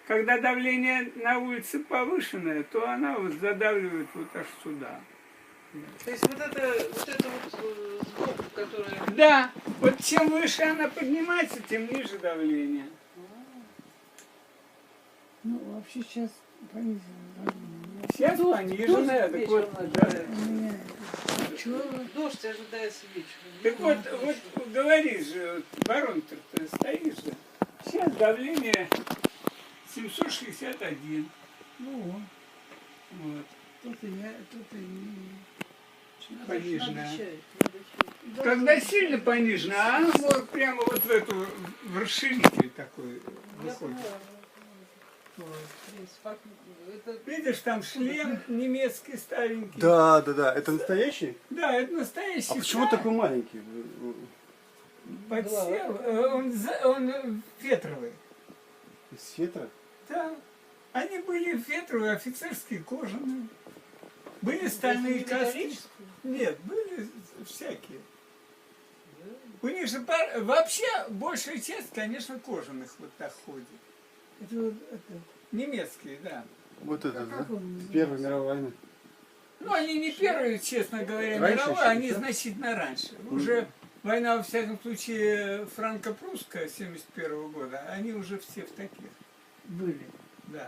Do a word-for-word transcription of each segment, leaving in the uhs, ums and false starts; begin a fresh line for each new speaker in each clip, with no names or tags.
когда давление на улице повышенное, то она вот задавливает вот аж сюда.
То есть вот это вот, это вот э, сбоку, которая...
Да, вот чем выше она поднимается, тем ниже давление.
Ну, вообще сейчас понизено давление.
Сейчас пониженное, так вот, да.
У меня пчелы.
Дождь ожидается вечером.
Так вот, вот говоришь же, вот, барометр ты стоишь же. Сейчас давление семьсот шестьдесят один.
Ну,
Вот.
тут и я, тут и не.
Пониженное.
Надо чай, надо чай.
Когда сильно понижено, а оно вот прямо вот в эту, в расширитель такой
Я
выходит.
поняла.
Вот.
Как- Это
Видишь, там шлем немецкий старенький.
Да, да, да. Это настоящий?
Да, это настоящий.
А почему
сталь.
такой маленький?
Подсел, э, он, за- он фетровый.
Из фетра?
Да. Они были фетровые, офицерские, кожаные. Были стальные
это
каски.
металлический?
Нет, были всякие. У них же пар- вообще большая часть, конечно, кожаных вот так ходит.
Это вот это.
Немецкие, да.
Вот это,
Как
да?
он называется?
Первая мировая война.
Ну, они не первые, честно говоря,
Раньше
мировые,
еще,
они
да?
значительно раньше. Уже война, во всяком случае, франко-прусская семьдесят первого года, они уже все в таких,
Были.
да.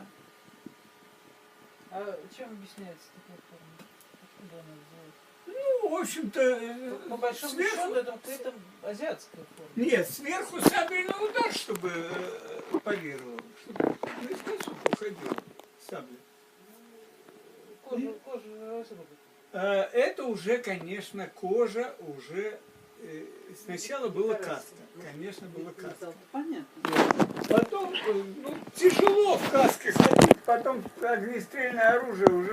А чем объясняется такая форма? Откуда она взялась?
Ну, в общем-то, э,
По большому
сверху...
счету это какая-то азиатская форма.
Нет, сверху сабельный удар, чтобы э, парировал, чтобы наискосок уходил сабля.
Кожа, кожа разрубит.
Э, Это уже, конечно, кожа, уже... э, Сначала была каска, конечно, была каска.
Понятно.
Потом, э, ну, тяжело в каске ходить, потом огнестрельное оружие уже